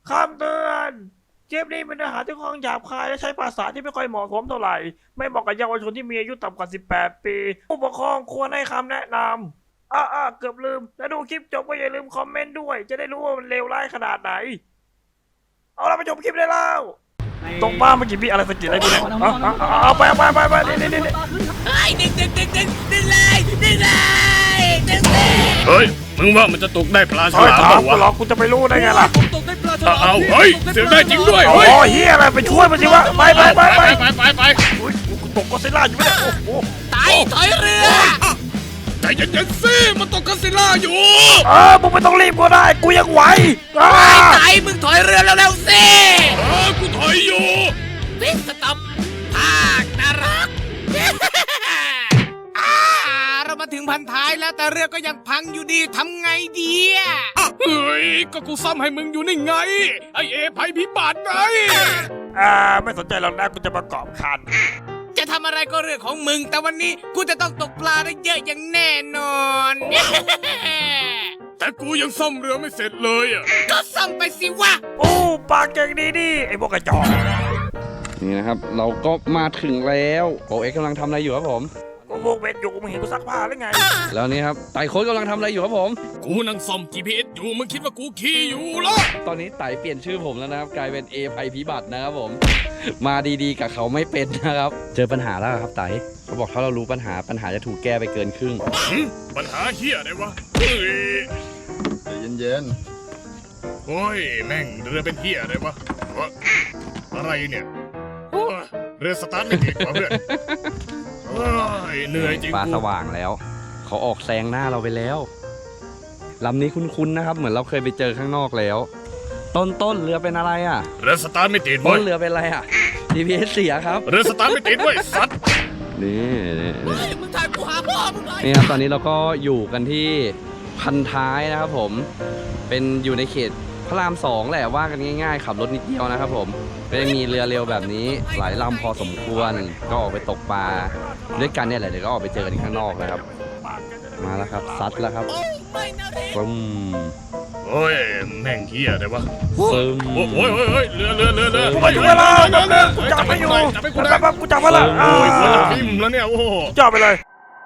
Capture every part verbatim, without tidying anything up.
คำเตือนเกมนี้เป็นเนื้อหาที่ค่อนข้างหยาบคายและใช้ภาษาที่ไม่ค่อยเหมาะสมเท่าไหร่ไม่เหมาะกับเยาวชนที่มีอายุต่ำกว่าสิบแปดปีผู้ปกครองควรให้คำแนะนำอ่าอ่าเกือบลืมแล้วดูคลิปจบก็อย่าลืมคอมเมนต์ด้วยจะได้รู้ว่ามันเลวร้ายขนาดไหนเอาละไปชมคลิปได้แล้วตรงบ้านเมื่อกี้พี่อะไรสะกิดอะไรกูเนี่ยเอาไปไปไปไปนี่นี่นี่เฮ้ยดึงดึงดึงดึงดึงเลยดึงเลยดึงเลยเฮ้ยมึงว่ามันจะตกได้ปลาฉลามเปล่าวะหรอกกูจะไปรู้ได้ไงล่ะผมตกได้ปลาฉลามเอาเฮ้ยเสียได้จริงด้วยโอ้เฮ้ยเฮียอะไรไปช่วยมันสิวะไปไปไปไปไปไปไปอุ้ยกูตกก็เซล่าอยู่ไม่ได้โอ้โหตายถอยเรือใจเย็นๆสิมันตกกัสซิล่าอยู่เออมึงไม่ต้องรีบก็ได้กูยังไหวตายตายมึงถอยเรือเร็วๆสิเออกูถอยอยู่วิสตอมภาคนรกเรามาถึงพันท้ายแล้วแต่เรือก็ยังพังอยู่ดีทำไงดีอ่ะเฮ้ยก็กูซ่อมให้มึงอยู่นี่ไงไอเอภัยพิบัติไงอ่าไม่สนใจหรอกนะกูจะประกอบคันจะทำอะไรก็เรื่องของมึงแต่วันนี้กูจะต้องตกปลาได้เยอะอย่างแน่นอนแต่กูยังซ่อมเรือไม่เสร็จเลยอ่ะก็ซ่อมไปสิวะโอ้ปากเก่งดีดิไอ้พวกกระจอกนี่นะครับเราก็มาถึงแล้วโอเอ็กกำลังทำอะไรอยู่ครับผมกูพวกเวทอยู่มึงเห็นกูซักผ้าหรือไงแล้วนี่ครับไต่โค้ดกำลังทำอะไรอยู่ครับผมกูนั่งซ่อม จี พี เอส อยู่มึงคิดว่ากูขี่อยู่เหรอตอนนี้ไต่เปลี่ยนชื่อผมแล้วนะครับกลายเป็นเอภัยพิบัตินะครับผมมาดีๆกับเขาไม่เป็นนะครับเจอปัญหาแล้วครับไต่เขาบอกถ้าเรารู้ปัญหาปัญหาจะถูกแก้ไปเกินครึ่งปัญหาเฮียอะไรวะเฮ้ยใจเย็นๆโอ้ยแม่งเรือเป็นเฮียอะไรวะอะไรเนี่ยเรือสตาร์ทไม่ติดวะเพื่อนเหนื่อยจริงฟ้าสว่างแล้วเขาออกแซงหน้าเราไปแล้วลำนี้คุ้นๆนะครับเหมือนเราเคยไปเจอข้างนอกแล้วต้นต้นเรือเป็นอะไรอ่ะเรือสตาร์ทไม่ติดต้นเรือเป็นอะไรอ่ะ จี พี เอส เสียครับเรือสตาร์ทไม่ติดเว้ยสัตว์นี่นี่มึงถ่ายกูหาพ่อมึงเลยนี่ครับตอนนี้เราก็อยู่กันที่พันท้ายนะครับผมเป็นอยู่ในเขตพระรามสองแหละว่ากันง่ายๆขับรถนิดเดียวนะครับผมก็จะมีเรือเร็วแบบนี้หลายลำพอสมควรก็ออกไปตกปลาด้วยกันเนี่ยแหละเดี๋ยวก็ออกไปเจอกันข้างนอกนะครับมาแล้วครับซัดแล้วครับปึ้มโอ้ยแม่งเหี้ยอะไรวะปึ้มโอ้ยโอ้ยโอ้ยเรือเรือเรือเรือกูมาอยู่เวลากูจับไม่อยู่แป๊บๆกูจับมาละโอ้ยหัวจะทิ่มแล้วเนี่ยโอ้โหจับไปเลย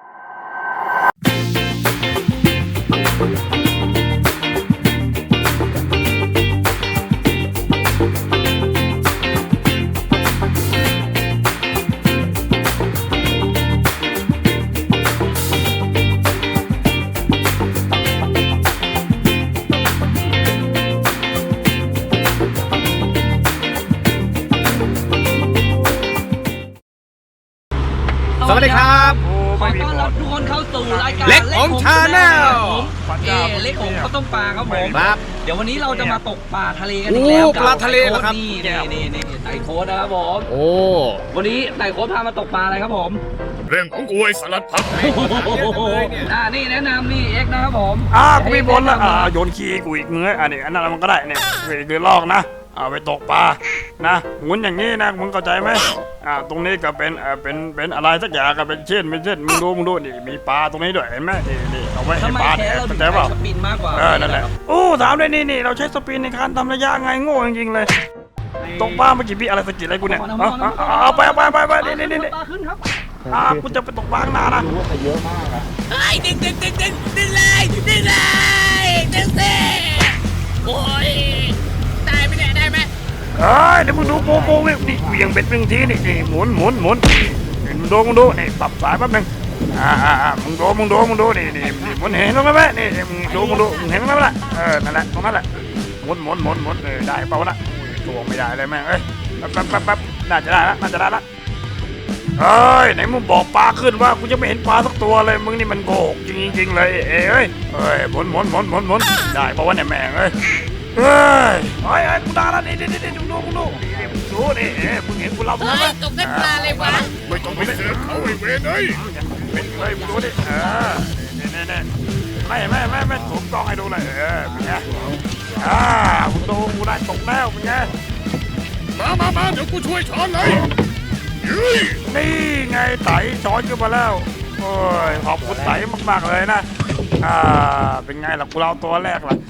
สวัสดีครับขอต้อนรับทุกคนเข้าสู่รายการเล็กของชาแนลเอเล็กของข้าวต้มปลาครับผมครับเดี๋ยววันนี้เราจะมาตกปลาทะเลกันอีกแล้วปลาทะเลเหรอครับนี่นี่นี่ไต่โค้ดนะครับผมโอ้วันนี้ไต่โค้ดพามาตกปลาอะไรครับผมเรื่องของกูไอ้สลัดผักอ่านี่แนะนำนี่เอ็กนะครับผมอ่ากูมีบนละอ่าโยนขี้กูอีกเนื้ออันนี้อันนั้นมันก็ได้เนี่ยคือลอกนะเอาไปตกปลานะหมุนอย่างนี้นะมึงเข้าใจไหมอ่าตรงนี้ก็เป็นเอ่อเป็นเป็นอะไรสักอย่างก็เป็นเช่นเป็นเช่นมึงดูมึงดูนี่มีปลาตรงนี้ด้วยเห็นไหมนี่นี่เอาไว้ให้ปลาเนี่ยเข้าใจเปล่าสปินมากกว่าเออนั่นแหละโอ้ถามเลยนี่นี่เราใช้สปินในการทำระยะไงโง่จริงๆเลยตกปลาเมื่อกี้พี่อะไรสะกิดอะไรกูเนี่ยเอาไปไปไปไปนี่นี่นี่อ่ากูจะไปตกปลาข้างหน้านะรู้ว่าเยอะมากอ่ะเฮ้ยดึงดึงดึงดึงดึงเลยดึงเลยดึงสิโอ้ยได้ไหมเนี่ยได้ไหมเอ้ยเดี๋ยวมึงดูโปโปวิ่งนี่เวียงเบ็ดหนึ่งทีนี่นี่หมุนหมุนหมุนมึงดูมึงดูนี่ปรับสายแป๊บนึงอ่าอ่าอ่ามึงดูมึงดูมึงดูนี่นี่นี่หมุนเห็นตรงนั้นไหมนี่มึงดูมึงดูมึงเห็นตรงนั้นไหมล่ะเออนั่นแหละตรงนั้นแหละหมุนหมุนหมุนหมุนเออได้เปล่าวะน่ะตัวไม่ได้เลยแม่เอ้ยแป๊บแป๊บแป๊บแป๊บน่าจะได้ละน่าจะได้ละเอ้ยไหนมึงบอกปลาขึ้นว่ากูจะไม่เห็นปลาสักตัวเลยมึงนี่มันโกหกจริงจริงเลยเอ้ยเอ้ยเอ้ยหมุนหมุนหมุนหมุนหมุนได้เปล่าวะเนี่ยแม่เอ้ยเฮ้ยไอ้ไอ้กูด่าแล้วนี่นี่นี่ดูดูดูดูนี่เอ้ยมึงเห็นกูเราทำไหมตกได้ปลาเลยวะไม่ต้องไปเสือกเขาไอ้เวรเอ้ยเป็นเลยมึงดูดิเออนี่นี่นี่ไม่ไม่ไม่ไม่ถูกต้องให้ดูเลยเออเป็นไงอ่ามึงดูกูได้ตกแล้วเป็นไงมามามาเดี๋ยวกูช่วยช้อนเลยนี่ไงไต่ช้อนขึ้นมาแล้วโอ้ยขอบคุณไต่มากๆเลยนะอ่าเป็นไงล่ะกูเราตัวแรกล่ะ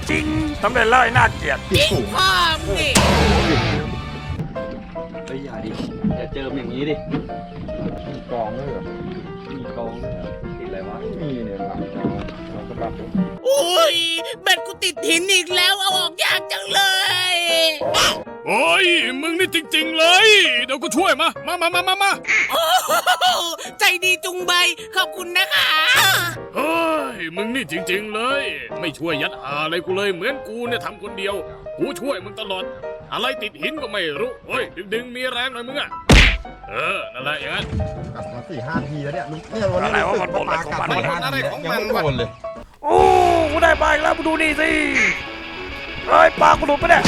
จริงสำเร็จแล้วไอ้น่าเกลียดจริงพ่อมึงดิเฮ้ยอย่าดิอย่าเจิมอย่างนี้ดิมีกองด้วยเหรอมีกองด้วยเหรอติดอะไรวะมีเนี่ยหลังกองเราก็รับอุ้ยแบตกูติดหินอีกแล้วเอาออกยากจังเลยโอ้ยมึงนี่จริง ๆ เลย เดี๋ยวกูช่วยมา มามามามามาโอ้โหใจดีจุงใบขอบคุณนะคะเฮ้ยมึงนี่จริง ๆ เลย ไม่ช่วยยัดหาอะไรกูเลยเหมือนกูเนี่ยทำคนเดียว กูช่วยมึงตลอด อะไรติดหินก็ไม่รู้เฮ้ยดึงๆมีแรงหน่อยมึงอะเออนั่นแหละอย่างนั้นกัดมาสี่ห้าทีแล้วเนี่ยเนี่ยวันนี้รู้สึกว่าปลากัดสี่ห้าทียังไม่โดนเลยโอ้กูได้ปลาอีกแล้วมึงดูนี่สิเฮ้ยปลากูหลุดไปเนี่ย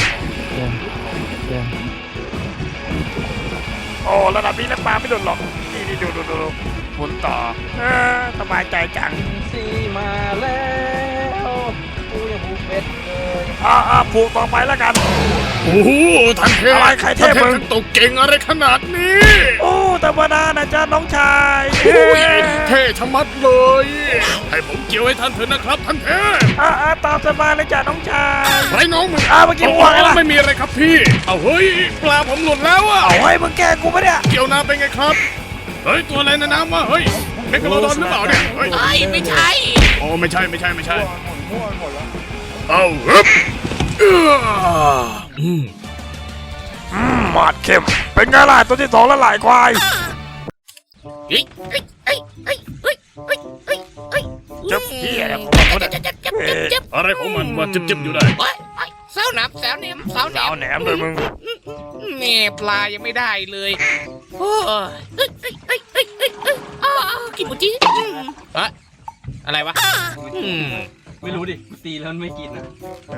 โอ้ระดับนี้แล้วปลาไม่หลุดหรอกนี่นี่ดูดูดูดูหมุนต่อเออสบายใจจังซีมาแล้วกูยังบูเป็ดเลยอ่าอ่าผูกต่อไปแล้วกันโอ้โหท่านเทพอะไรใครเทพมึงท่านตกเก่งอะไรขนาดนี้โอ้ธรรมดานะจ๊ะน้องชายโอ้ยเท่ชะมัดเลย ให้ผมเกี่ยวให้ท่านเถอะนะครับท่านเทพอ่าอ่าตามสบายเลยจ้ะน้องชายไรน้องมึงอ่าเมื่อกี้มึงว่าไงล่ะไม่มีอะไรครับพี่ เอาเฮ้ยปลาผมหลุดแล้วอะเอาให้มึงแกล้งกูปะเนี่ยเกี่ยวน้ำเป็นไงครับ เฮ้ยตัวอะไรในน้ำวะเฮ้ยเมกะโลดอนหรือเปล่าเนี่ยเฮ้ยเอ้ยไม่ใช่โอ้ไม่ใช่ไม่ใช่ไม่ใช่เอาฮึบเอื้ออืมอืมหมาดเข้มเป็นไงล่ะตัวที่สองแล้วหลายควายเฮ้ยเฮ้ยเฮ้ยเฮ้ยเฮ้ยเฮ้ยเฮ้ยเฮ้ยเจ็บเหี้ยเนี่ยผมว่าเขาเนี่ยเจ็บเจ็บเจ็บเจ็บอะไรของมันมาจิบๆอยู่ได้เฮ้ยเฮ้ยเสาหนับเสาเหนียมเสาเหนีสาวยมแหนมเลยมึงนี่ปลายังไม่ได้เลยโอ้ยเฮ้ยเฮ้ยเฮ้ยเฮ้ยเฮ้ยเฮ้ยอ้าวกินหมูจีอืมเฮ้ยอะไรวะอืมไม่รู้ดิกูตีแล้วมันไม่กินนะ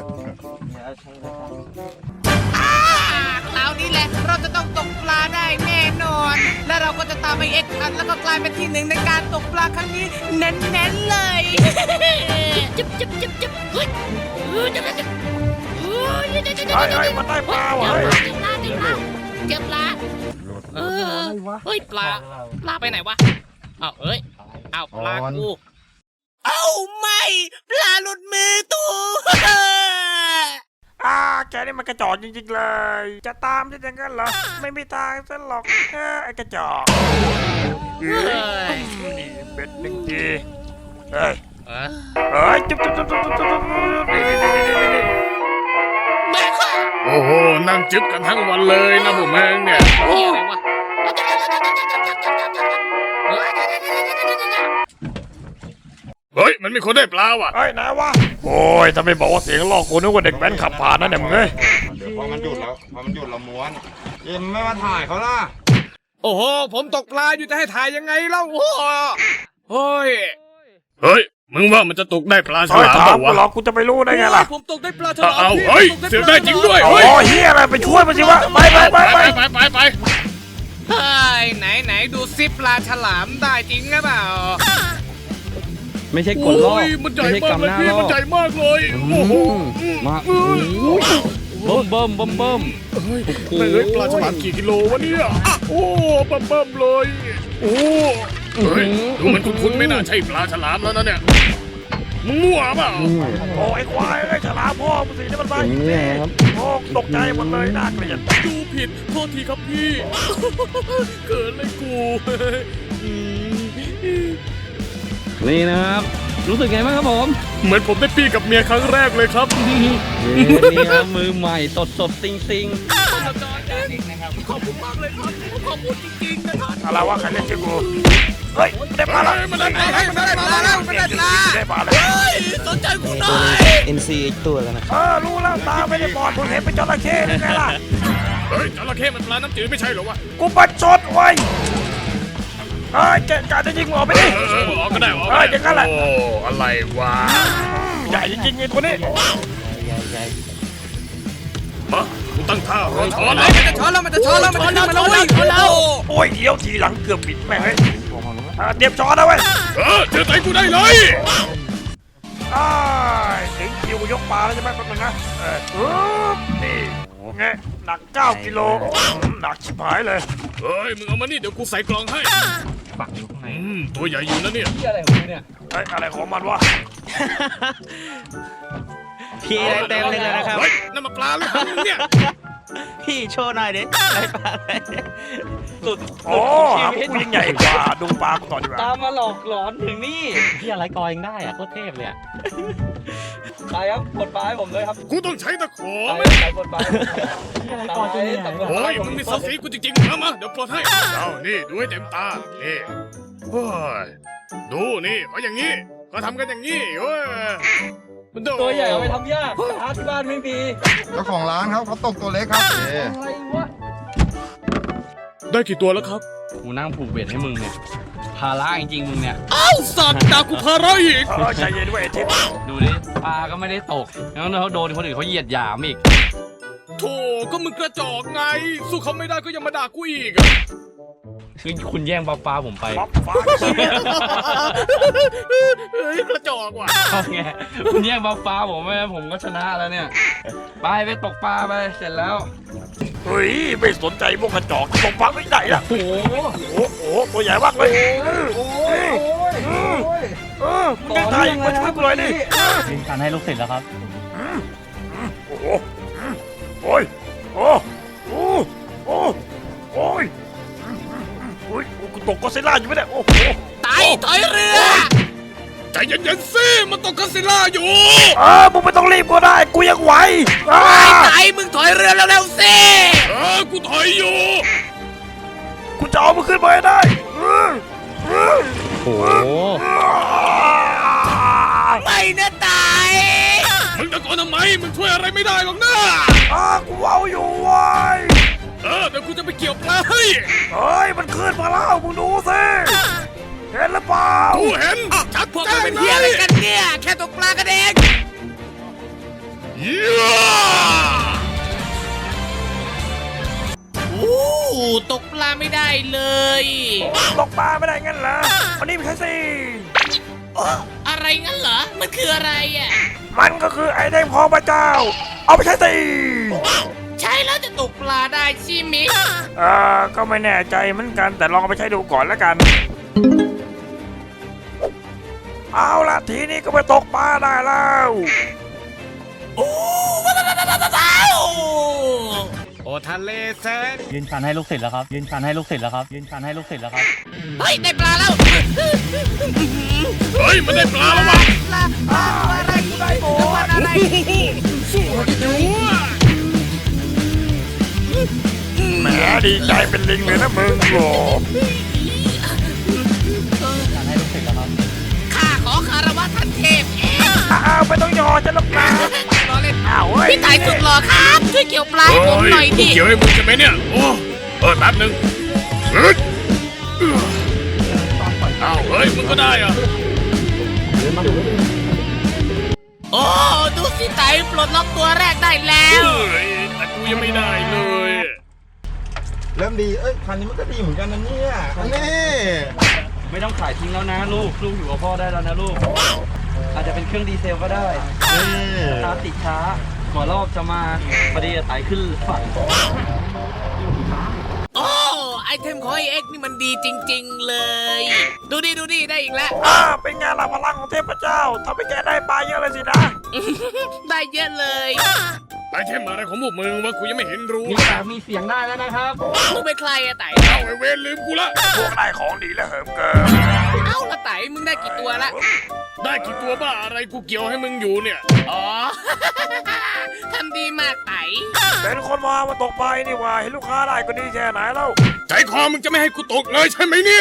อ่าคราวนี้แหละเราจะต้องตกปลาได้แน่นอน และเราก็จะตามไปเอ็กซ์อันแล้วก็กลายเป็นที่หนึ่งในการตกปลาครั้งนี้เน้นๆเลยจิ๊บจิ๊บจิ๊บจิ๊บเฮ้ยเฮ้ยจิ๊บจิ๊บเฮ้ยจิ๊บจิ๊บจิ๊บไอ้ไอ้มันได้ปลาว่ะเฮ้ยเจ็บปลาเจ็บปลาเจ็บปลาเออเฮ้ยปลาปลาไปไหนวะอ้าวเอ้ยอ้าวปลากูเอ้าไม่ปลาหลุดมือตูอ่าแกนี่มันกระจอกจริงๆเลย จะตามจะอย่างนั้นเหรอไม่มีทางซะหรอกเออไอ้กระจอกเฮ้ยนี่เบ็ดหนึ่งทีเฮ้ยเออเฮ้ยจุ๊บจุ๊บจุ๊บจุ๊บจุ๊บจุ๊บนี่นี่นี่นี่นี่แม่ค่ะโอ้โหนั่งจิบกันทั้งวันเลยนะผมแม่งเนี่ยเฮียอะไรวะเฮ้ยมันมีคนได้ปลาว่ะเฮ้ยไหนวะโอ้ยถ้าไม่บอกว่าเสียงลอกกูนึกว่าเด็กแว้นขับผ่านนั่นเนี่ยมึงเอ้ยเดี๋ยวพอมันหยุดแล้วพอมันหยุดเราม้วนเอ็มไม่มาถ่ายเขาล่ะโอ้โหผมตกปลาอยู่จะให้ถ่ายยังไงเล่าโอ้โหเฮ้ยเฮ้ยมึงว่ามันจะตกได้ปลาฉเฮ้ยลามถามเปล่ากูวะหรอกกูจะไปรู้ได้ไงล่ะผมตกได้ปลาฉลามเอาเฮ้ยเสือกได้จริงด้วยโอ้เฮ้ยเฮียอะไรไปช่วยมันสิวะไปไปไปไปไปไปไปไปเฮ้ยไหนไหนดูซิปลาฉลามได้จริงหรือเปล่าไม่ใช่กดล่อโอ้ยมันใหญ่ไม่ใช่มากกำเลหยน้าพี่ล่อมันใหญ่มากเลยอืโอ้โหมมาโอ้ยเบิ่มเบิ่มเบิ่มเบิ่มเฮ้ยไม่เฮ้ยปลาฉลามกี่กิโลวะเนี่ยโอ้เบิ่มเบิ่มเลยโอ้เฮ้ยดูมันคุ้นๆไม่น่าใช่ปลาฉลามแล้วนะเนี่ยมึงมั่วเปล่าโอ้ไอ้ควายไอ้ฉลามพ่อมึงสินี่มันไปอย่างนี้ครับโอ้ตกใจหมดเลยน่าเกลียดดูผิดโทษทีครับพี่ เกิดอะไรกูนี่นะครับ รู้สึกไงบ้างครับผมเหมือนผมได้ปี้กับเมียครั้งแรกเลยครับนี่ครับมือใหม่สดสดซิงซิงขอบคุณมากเลยครับขอบคุณจริงๆนะครับอะไรวะใครเล่นชื่อกูเฮ้ยได้ปลาละมันได้ปลาแล้วมันได้ปลาแล้วไม่ได้ปลาได้ปลาเลยเฮ้ยสนใจกูหน่อยเอ็น ซี อีกตัวแล้วนะเออรู้แล้วตาไม่ได้บอดมึงเห็นเป็นจระเข้ได้ไงล่ะเฮ้ยจระเข้มันปลาน้ำจืดไม่ใช่เหรอวะกูปัดชดไว้เฮ้ยแกกาจะยิงออกไปดิเออออกก็ได้ออกเอออย่างนั้นแหละโอ้อะไรวะใหญ่จริงๆไอ้ตัวนี้มากูตั้งท่ารอช้อนมันจะช้อนแล้วมันจะช้อนแล้วมันจะช้อนแล้วช้อนแล้วโอ้ยเลี้ยวทีหลังเกือบบิดแม่งเลยอ่าเตรียมช้อนนะเว้ยเออเจอใจกูได้เลยอ้ายถึงคิวยกปลาแล้วใช่ไหมแป๊บนึงนะเออปึ๊บนี่ไงหนักเก้ากิโลหนักชิบหายเลยเฮ้ยมึงเอามานี่เดี๋ยวกูใส่กล่องให้อืมตัวใหญ่อยู่นะเนี่ยที่อะไรของเนี่ยเอ้ยอะไรของมันวะพี่ได้เต็มเลยนะครับเฮ้ยนั่นมาปลาหรือเปล่ามึงเนี่ยพี่โชว์หน่อยดิได้ปลาอะไรสุดโอ้หำกูยิ่งใหญ่กว่าดูปลากูต่อดีกว่าตามมาหลอกหลอนถึงนี่พี่อะไรกอยังได้อะโคตรเทพเลยอะไปครับกดปลาให้ผมเลยครับกูต้องใช้ตะขอไปไหมไปกดปลาพี่อะไรกอจะเหนื่อยโอ้ยมึงมีศักดิ์ศรีกูจริงๆมามาเดี๋ยวปลดให้เอานี่ดูให้เต็มตานี่โอ้ยดูนี่เขาอย่างนี้เขาทำกันอย่างนี้เว้ยมันโดตัวใหญ่เอาไปทำยากหาที่บ้านไม่มีเจ้าของร้านครับเขาตกตัวเล็กครับเอ๊ะอะไรวะได้กี่ตัวแล้วครับกูนั่งผูกเบ็ดให้มึงเนี่ยภาระจริงๆมึงเนี่ยเอ้าสัตว์ด่ากูพาระอีกเออใจเย็นด้วยไอ้ทิพย์ดูดิปลาก็ไม่ได้ตกแล้วเขาโดนคนอื่นเขาเหยียดหยามอีกโธ่ก็มึงกระจอกไง สู้เขาไม่ได้ก็ยังมาด่ากูอีกอะคือคุณแย่งปลาปลาผมไปป๊อปฟ้าเชี่ยเฮ้ยกระจอกว่ะเอาไงคุณแย่งปลาปลาผมไปผมก็ชนะแล้วเนี่ยไปไปตกปลาไปเสร็จแล้วเฮ้ยไม่สนใจพวกกระจอกตกปลาไม่ได้ล่ะโอ้โหโอ้โหตัวใหญ่มากเลยโอ้ยโอ้ยเออมึงได้ไทยมาช่วยกูหน่อยดิยิงการให้ลูกศิษย์แล้วครับโอ้โหโอ้ยโอ้โอ้โอ้โอ้ยโอ้ยกูตกก็เซล่าอยู่ไม่ได้โอ้โหไต่ถอยเรือใจเย็นๆสิมันตกกัสซิลล่าอยู่เออมึงไม่ต้องรีบก็ได้กูยังไหวอ่าไต่มึงถอยเรือเร็วๆสิเออกูถอยอยู่กูจะเอามันขึ้นมาให้ได้เออเออโอ้โหไม่นะไต่มึงตะโกนทำไมมึงช่วยอะไรไม่ได้หรอกนะอ่ากูเอาอยู่เว้ยเออเดี๋ยวกูจะไปเกี่ยวปลาให้เฮ้ยมันขึ้นมาแล้วมึงดูสิเห็นหรือเปล่ากูเห็นชัดพวกแจ้มึงงเป็นเลเฮียอะไรยกันเนี่ย แค่ตกปลากันเองเยี่ยโอ้ตกปลาไม่ได้เลยตกปลาไม่ได้งั้นเหรอวันนี้ไม่ใช่สิอะไรงั้นเหรอ มันคืออะไรอ่ะมันก็คือไอเทมของพระเจ้า เอาไปใช้สิใช้แล้วจะตกปลาได้ใช่ไหมเออก็ไม่แน่ใจเหมือนกันแต่ลองเอาไปใช้ดูก่อนแล้วกัน เอาละทีนี้ก็ไปตกปลาได้แล้วโอ้ว้าวโอ้ทะเลแสนยืนชันให้ลูกศิษย์แล้วครับ ยืนชันให้ลูกศิษย์แล้วครับ ยืนชันให้ลูกศิษย์แล้วครับเฮ้ยได้ปลาแล้วเฮ้ยมันได้ปลาแล้ววะปลาปลาอะไรได้โอ้อะไรสู้อยู่อะแหมดีใจเป็นลิงเลยนะมึงโหชันให้ลูกศิษย์แล้วครับข้าขอคารวะท่านเทพเองอ้าวไม่ต้องยอฉันหรอกนะรอเล่นอ้าวเฮ้ยพี่ไต่สุดหล่อครับ ช่วยเกี่ยวปลาให้ผมหน่อยกูดิเกี่ยวให้มึงใช่ไหมเนี่ยโอ้เออแป๊บหนึงเฮ้ยอ้าวเฮ้ยมึงก็ได้อะโอ้ดูสิไต่ปลดล็อกตัวแรกได้แล้วเฮ้ยแต่กูยังไม่ได้เลยเริ่มดีเอ้ยคันนี้มันก็ดีเหมือนกันนะเนี่ยอันนี้ไม่ต้องขายทิ้งแล้วนะลูกลูกอยู่กับพ่อได้แล้วนะลูกอาจจะเป็นเครื่องดีเซลก็ได้นี่ช้าติดช้าหัวรอบจะมาพอดีจะไต่ขึ้นฝั่งโอ้ไอเทมของไอเอ็กนี่มันดีจริง ๆ เลย ดูดิดูดิได้อีกแล้วอ่าเป็นไงล่ะพลังของเทพเจ้าทำให้แกได้ปลาเยอะเลยสินะได้เยอะเลยไอเทมอะไรของพวกมึงวะกูยังไม่เห็นรู้มีปากมีเสียงได้แล้วนะครับมึงเป็นใครอะไต่เอาไอเวรลืมกูละพวกได้ของดีและเหิมเกินเอ้าละไต่มึงได้กี่ตัวละได้กี่ตัวบ้าอะไรกูเกี่ยวให้มึงอยู่เนี่ยอ๋อ ทำดีมากไต่เป็นคนมามาตกปลานี่หว่าเห็นลูกค้าได้ก็ดีแค่ไหนแล้วใจคอมึงจะไม่ให้กูตกเลยใช่ไหมเนี่ย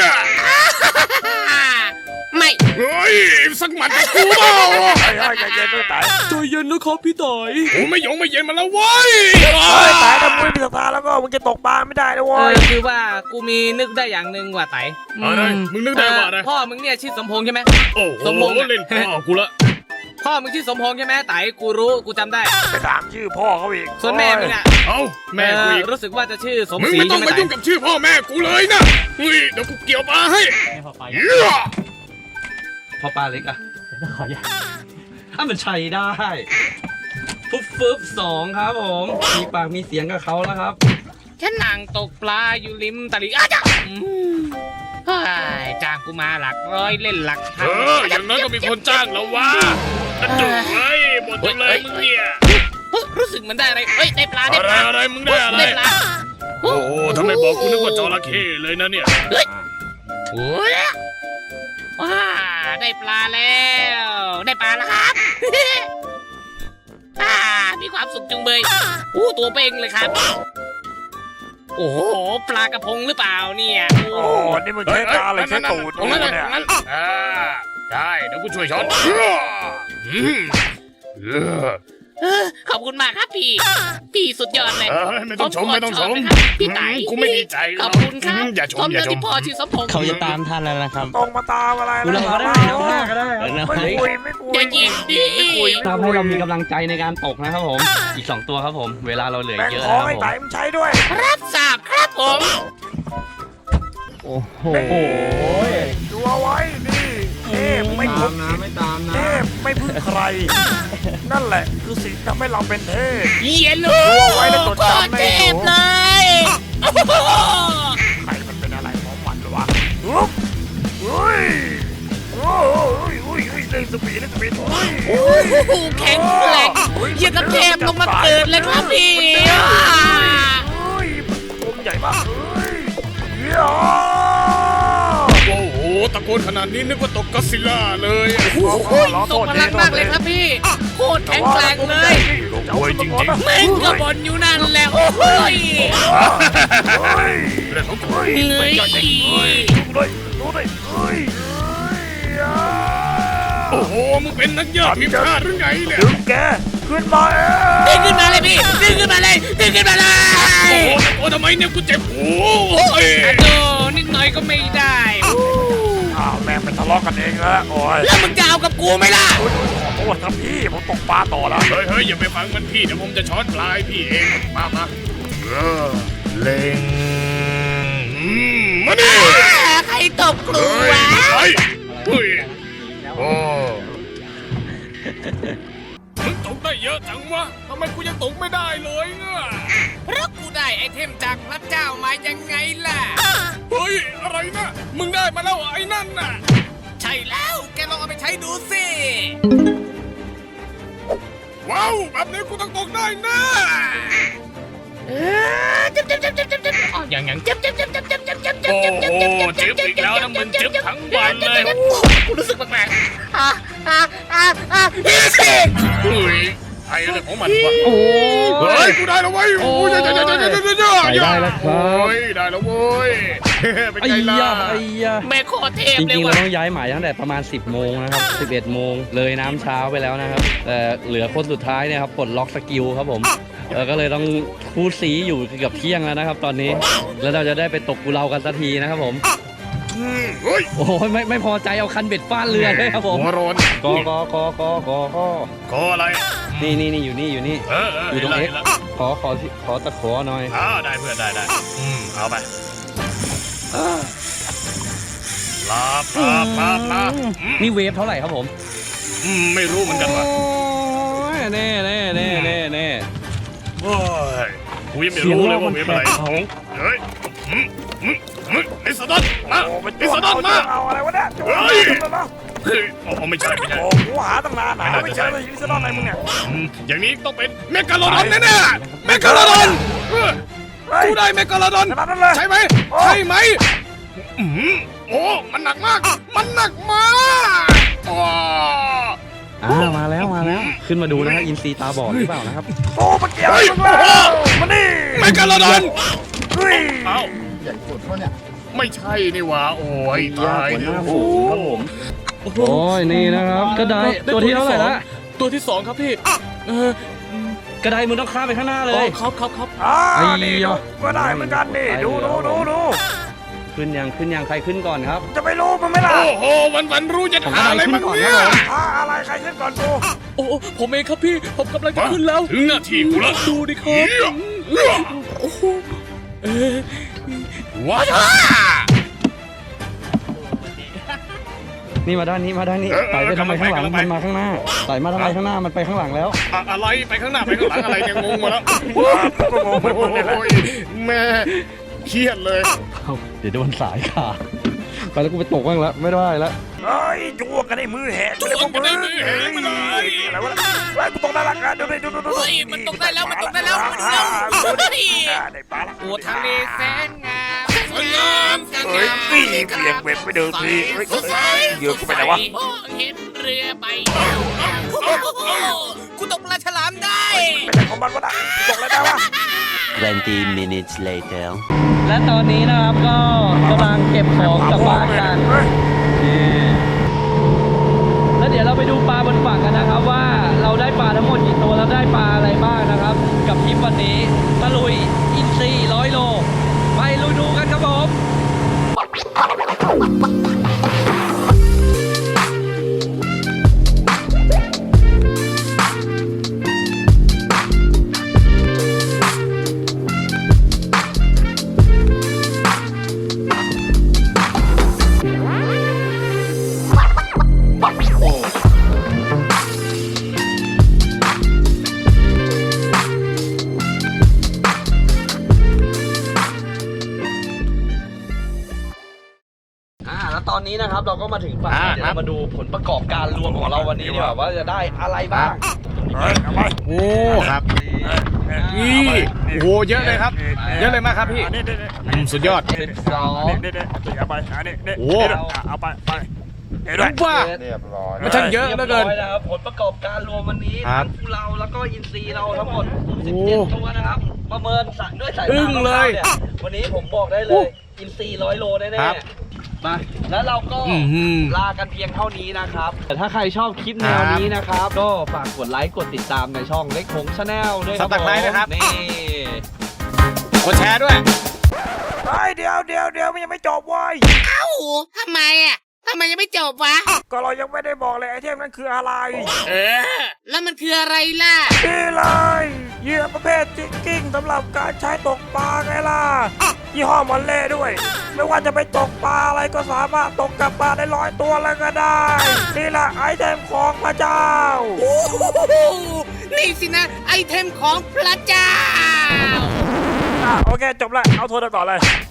ไม่เฮ้ยสักหมัดกับกูเปล่าไอ้ไอ้ใจเย็นด้วยตายใจเย็นนะครับพี่ต่อยกูไม่ยงไม่เย็นมาแล้วเว้ยเฮ้ยตายถ้ามึงไม่มีศรัทธาแล้วก็มึงจะตกปลาไม่ได้นะเอเว้อย คือว่ากูมีนึกได้อย่างหนึ่งว่ะไต่อะไรมึงนึกได้ว่าอะไรพ่อมึงเนี่ยชื่อสมพงษ์ใช่ไหมโอ้โหสมพงษ์อะเล่นพ่อกูละพ่อมึงชื่อสมพงษ์ใช่ไหมไต่กูรู้กูจำได้ไปถามชื่อพ่อเขาอีกส่วนแม่มึงอะเอ้าแม่กูอีกเออรู้สึกว่าจะชื่อสมมึงศรีไม่ต้องใช่ไหมมาไต่ยุ่งกับชื่อพ่อแม่กูเลยนะเฮ้ยเดี๋ยวกูเกี่ยวปลาให้ให้พอไปเหี้ยพอปลาเล็กอะขออย่าถ้ามันใช้ได้ฟึบฟึบสองครับผมมีปากมีเสียงกับเขาแล้วครับฉันนั่งตกปลาอยู่ริมตลิ่งอ้าวจ้ะอืมเฮ้ยจ้างกูมาหลักร้อยเล่นหลักพัเอน ออย่างน้อยก็มีคนจ้างแล้ววะจุ๊ยเฮ้ยหมดเลยมึงเนี่ยเฮ้ยรู้สึกเหมันได้อะไรเฮ้ยได้ปลาได้อะไรปลาอะไรมึงได้อะไรได้ปลาโอ้โหทำไมบอกกูนึกว่าจระเข้เลยนะเนี่ยโอ้ยว้าได้ปลาแล้ว ได้ปลาแล้วครับ อ่ามีความสุขจุงเบยอู้ตัวเป่งเลยครับ โอ้โหปลากระพงหรือเปล่าเนี่ยโอ้โอ้นี่มึงใช้ตาอะไรใช้ตูดตรงนั้นเนี่ยนั้นอ่าได้เดี๋ยวกูช่วยช้อนอืมเออเออขอบคุณมากครับพี่ พี่สุดยอดเลยเออไม่ต้องชมไม่ต้องชมพี่ไต่กูไม่ดีใจขอบคุณครับอย่าชมสมอย่าแล้วชมที่พ่อชื่อสมพงษ์เขาจะตามท่านแล้วนะครับตรงมาตามอะไรดูเราก็ได้น้ำหน้าก็ได้ไม่คุยไม่คุยอย่ายิงดิไม่คุยทำให้เรามีกำลังใจในการตกนะครับผม อีกสองตัวครับผม เวลาเราเหลือแบ่งเยอะขอนะงคให้รับผมไต่มันใช้ด้วยรับทราบครับผมโอ้โหดูเอาไว้นี่เทพไม่ตาพึ่มงนะไม่ตามเทนะพไม่พึ่งใคร นั่นแหละคือสิ่งที่ทำให้เราเป็นเทพเยียลูเอาไว้แล้วจดโคจำตรในเจ็บหัวเลยโอ้โหใครมันเป็นอะไรของมันวะอุ๊บอุ้ยโอ้ยอุ้ยอุ้ยเล่นสปีดเล่นสปีดอุ้ยโอ้โหแข็งแกร่งเยี่ยงกับเทพลงมาเกิดเลยครับพี่อุ้ยผมใหญ่มากเอ้ยเหี้ยโอ้โหตะโกนขนาดนี้นึกว่าตกก็อดซิลล่าเลยโอ้โหทรงพลังมากเลยครับพี่ โคตรแข็งแกร่งเลยโอ้ยจริงๆแม่งก็บนอยู่นั่นแหละโอ้ยเฮ้ยเรื่องของกูเฮ้ยเหนื่อยดูเลยดูเลยเฮ้ยเฮ้ยโอ้โหมึงเป็นนักยอดทีมชาติหรือไงเนี่ยดึงแกขึ้นมาเอดึงงขึ้นมาเลยพี่ดึงขึ้นมาเลยดึงขึ้นมาเลยโอ้โหตะโกนทำไมเนี่ยกูเจ็บหูโอ้ยอะโดนิดหน่อยก็ไม่ได้อู้อ้าวแม่งไปทะเลาะกันเองแล้วโอ้ยแล้วมึงจะเอากับกูไหมล่ะโอ้ยขอโทษครับพี่ผมตกปลาต่อแล้วเฮ้ยเฮ้ยอย่าไปฟังมันพี่เดี๋ยวผมจะช้อนปลายพี่เองมามาเออเล็งอืมมาดิใครตบกูเฮ้ยวะเฮ้ยเฮ้ยโอ้มึงตกได้เยอะจังวะทำไมกูยังตกไม่ได้เลยเนี่ยเพราะกูได้ไอเทมจากพระเจ้ามายังไงล่ะเฮ้ยอะไรนะมึงได้มาแล้วไอ้นั่นน่ะใช่แล้วแกลองเอาไปใช้ดูสิว้าวแบบนี้กูต้องตกได้แน่เออจับจับจับจับจับจับอ๋ออย่างอย่างจับจับจับจับจับจับจับจับโอ้จับโหจับจับจับเจ็บอีกแล้วนะมึงเจ็บทั้งวันเลยกูรู้สึกแปลกๆอ่ะอ่ะอ่ะอ่ะนี่สิเฮ้ยไอ้อะไรของมันวะโอ้เฮ้ยยกูได้แล้วเว้ยโอ้ยเดี๋ยวเดี๋ยวเดี๋ยวเดี๋ยวเดี๋ยวเดี๋ยวไปได้แล้วครับโอ้ยได้แล้วเว้ยเป็นไอ้ไงล่ะยาไอ้ยาแม่โคตรเทพจเลยริงๆเราว่ะต้องย้ายหมายตั้งแต่ประมาณ สิบโมงนะครับ สิบเอ็ดโมงเลยน้ำเช้าไปแล้วนะครับ แต่เหลือคนสุดท้ายเนี่ยครับปลดล็อกสกิลครับผมเออก็เลยต้องคูดสีอยู่เกือบเที่ยงแล้วนะครับ ตอนนี้ แล้วเราจะได้ไปตกกุเลากันสักทีนะครับผมอืมเฮ้ยโอ้ยไม่ไม่พอใจเอาคันเบ็ดฟาดเรือเลยครับผมหัวร้อนกอกอกอกอกอก็คออะไรนี่นี่นี่อยู่นี่อยู่นี่เออเอออยู่ตรงห็เอ็นกแล้วขอขอขอตะขอหน่อยอ่าได้เพื่อนได้ได้อืมเอาไปลาปลาปลาปลาอืมนี่เวฟเท่าไหร่ครับผมอืมไม่รู้เหมือนกันว่ะโอ้ยแน่แน่แน่แน่แน่โอ้ยกูยังไม่รู้เลยว่าเว็บอะไรเฮ้ยอืมอืมอืมไอ้สะดอนมาโอ้มันไอ้สะดอนมาเอาอะไรวะเนี่ยเฮ้ย เฮ้ยโอ้ไม่ใช่ไม่ใช่โอ้กูหาตั้งนานหาไม่เจอเลยลิซาดอนอะไรมึงเนี่ยอืมอย่างนี้ต้องเป็นเมกาโลดอนแน่ๆเมกาโลดอนเออเฮ้ยกูได้เมกาโลดอนขนาดนั้นเลยใช่ไหมโอ้ใช่ไหมอืมโอ้มันหนักมาก มันหนักมากอ๋ออ่ามาแล้วมาแล้ว ขึ้นมาดูนะครับอินซีตาบอดหรือเปล่านะครับโอ้มาเกี่ยวอะไรมึงแล้วมาดิเมกาโลดอนเฮ้ยเอ้าใหญ่สุดวะเนี่ยไม่ใช่นี่หว่าโอ้ยตายหัวหเนี่ยน้าโอ้ฝูงครับผมโอ้ยนี่นะครับกระไดตัวที่เท่าไหร่ละตัวที่สองครับพี่ เออกระไดมึงต้องข้ามไปข้างหน้าเลอ๋อย ครับครับครับอ่าไอ้นี่ยะดูก็ได้เหมือนกันนี่ดูดูดูดูขึ้นยังขึ้นยังใครขึ้นก่อนครับจะไปรู้มันไหม่ล่ะโอ้โหวันวันๆรู้จะหาอะไรบ้างเนี่ยอ่าอะไรใครขึ้นก่อนกูโอ้ผมเองครับพี่ ผมกำลังจะขึ้นแล้วถึงหน้าที่กูแล้วดูดิครับ โอ้โหเอ๊ะว้านี่มาด้านนี้มาด้านนี้ไต่ไปทำไมข้างหลังมันมาข้างหน้าไต่มาทำไมข้างหน้ามันไปข้างหลังแล้วอะอะไรไปข้างหน้าไปข้างหลังอะไรเนี่ยงงหมดแล้วก็งงเหมือนมึงนี่แหละโอ้ยแม่เครียดเลยเอ้าเดี๋ยวโดนสายขาดไปแล้วกูไปตกบ้างแล้วไม่ได้แล้วเฮ้ยจั่วกันไอ้มือแหกไปเลยพวกมึงอะไรวะไอ้กูตกได้ละกันดูดิดูดูดูเฮ้ยมันตกได้แล้วมันตกได้แล้วมันเร็วได้ปลาละโอ้ทะเลแสนงามสวยงามเฮ้ยพี่เบี่ยงเว็บไปเดินทีเฮ้ยเหยื่อกูไปไหนวะเห็นเรือใบกูตกปลาฉลามได้ไปไหนของมันวะน่ะตกแล้วได้วะ twenty minutes later และตอนนี้นะครับก็กำลังเก็บของกลับบ้านกันเฮ้ยแล้วเดี๋ยวเราไปดูปลาบนฝั่งกันนะครับว่าเราได้ปลาทั้งหมดกี่ตัวแล้วได้ปลาอะไรบ้างนะครับ กับทริปวันนี้ตะลุยอินซีร้อยโลไปลุยดูกันครับผม อ่าแล้วตอนนี้นะครับเราก็มาถึงฝั่งเดี๋ยวเรามาดูผลประกอบการรวมของเราวันนี้ดีกว่าว่าจะได้อะไรบ้างเฮ้ยเอาไปโอ้ครับนี่โอ้โหเยอะเลยครับ เยอะเลยมากครับพี่นี่นี่นี่อืมสุดยอดสิบสองนี่นี่นี่เอาไปอันนี้นี่โอ้เอาไปไปเดี๋ยวด้วยว่าเรียบร้อยมันช่างเยอะเหลือเกินรียบร้อยนะครับผลประกอบการรวมวันนี้ครัทั้บงคู่เราแล้วก็อินซีเราทั้งหมดโอ้สิบเจ็ดตัวนะครับประเมินสะด้วยสายอึ้ตางเลยนี่วันนี้ผมบอกได้เลโอ้ยอินซีร้อยโลแน่ครับๆมาแล้วเราก็อื้อหือลากันเพียงเท่านี้นะครับแต่ถ้าใครชอบคลิปแนวนี้นะครับ ก็ฝากกดไลค์กดติดตามในช่องเล็กผงชาแนลด้วยครับสับตะไคร้ด้วยครับนี่กดแชร์ด้วยเฮ้ยเดี๋ยวเดี๋ยวเดี๋ยวมันยังไม่จบเว้ยเอ้าทำไมอ่ะทำไมยังไม่จบวะก็เรายังไม่ได้บอกเลยไอเทมนั้นคืออะไรเออ แล้วมันคืออะไรล่ะนี่เลยเหยื่อประเภทจิกกิ้งสำหรับการใช้ตกปลาไงล่ะยี่ห้อมอนเล่ด้วย ไม่ว่าจะไปตกปลาอะไรก็สามารถตกกลับมาได้ร้อยตัวแล้วก็ได้นี่แหละไอเทมของพระเจ้าโอ้โหนี่สินะ ไอเทมของพระเจ้าอ่ะโอเคจบละเอาโทรศัพท์ต่อเลย